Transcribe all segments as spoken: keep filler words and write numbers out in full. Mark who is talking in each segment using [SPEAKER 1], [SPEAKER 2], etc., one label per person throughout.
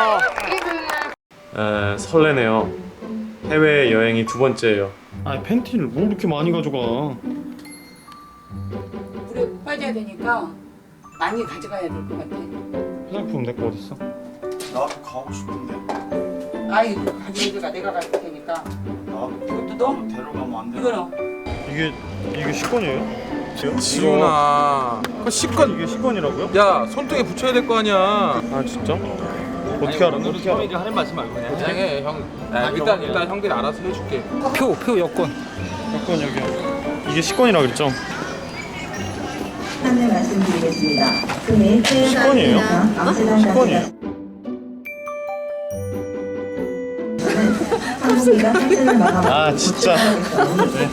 [SPEAKER 1] 에, 설레네요. 해외 여행이 두 번째예요.
[SPEAKER 2] 아 팬티를 뭐 이렇게 많이 가져가?
[SPEAKER 3] 물에 빠져야 되니까 많이 가져가야 될 것 같아.
[SPEAKER 2] 화장품 내 거 어딨어?
[SPEAKER 4] 나도 가고 싶은데.
[SPEAKER 3] 아이 가져가 내가 갈 테니까.
[SPEAKER 4] 나
[SPEAKER 3] 이것도 너?
[SPEAKER 4] 데려가면 안 돼.
[SPEAKER 3] 이거는
[SPEAKER 2] 이게 이게 식권이에요?
[SPEAKER 5] 지훈아 그 식권
[SPEAKER 2] 이게 식권이라고요?
[SPEAKER 5] 야 손등에 붙여야 될 거 아니야.
[SPEAKER 2] 아 진짜? 어떻게 알아? 어떻게 알아?
[SPEAKER 6] 하는 말씀 말고 그냥
[SPEAKER 5] 그냥 해 형. 야, 일단 일단 형들이 알아서 해줄게.
[SPEAKER 6] 표, 표 여권.
[SPEAKER 2] 여권 여기. 이게 식권이라 그랬죠?
[SPEAKER 7] 안내 말씀드리겠습니다. 금일
[SPEAKER 2] 식권이에요? 식권이에요?
[SPEAKER 7] 항공기가 탑승을 마감.
[SPEAKER 2] 아 진짜. 네.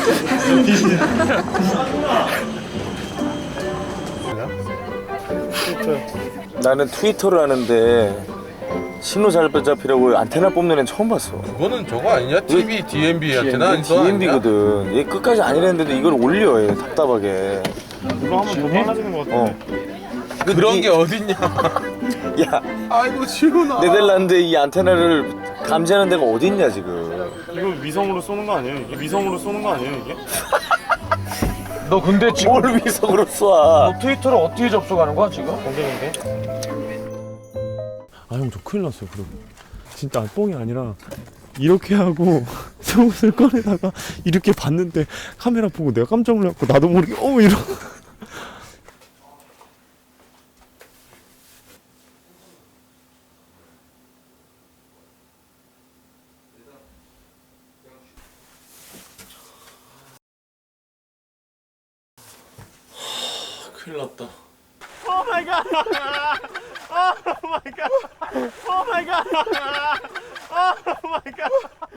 [SPEAKER 8] 나는 트위터를 하는데 신호 잘 잡히려고 안테나 뽑는 애는 처음 봤어.
[SPEAKER 5] 그거는 저거 아니냐? 티비 디엠비한테나
[SPEAKER 8] 디엠비거든. 얘 끝까지 아니랬는데도 이걸 올려. 얘 답답하게.
[SPEAKER 2] 이거 하면 더 빨라지는 것
[SPEAKER 8] 어.
[SPEAKER 2] 같은데.
[SPEAKER 5] 그런 게 어딨냐?
[SPEAKER 8] 야,
[SPEAKER 5] 아이고 지훈아.
[SPEAKER 8] 네덜란드 이 안테나를 감지하는 데가 어딨냐 지금.
[SPEAKER 2] 이거 위성으로 쏘는 거 아니에요? 이게 위성으로 쏘는 거 아니에요 이게?
[SPEAKER 8] 너 근데 지금 뭘 위성으로 쏴?
[SPEAKER 6] 트위터를 어떻게 접속하는 거야 지금?
[SPEAKER 2] 공개인데?
[SPEAKER 1] 아 형 저 큰일 났어요. 그리고 진짜 뽕이 아니라 이렇게 하고 속옷을 꺼내다가 이렇게 봤는데 카메라 보고 내가 깜짝 놀랐고 나도 모르게 어 이러. 큰일 났다.
[SPEAKER 2] 오 마이 갓! 오 마이 갓! 오 마이 갓! 오 마이 갓!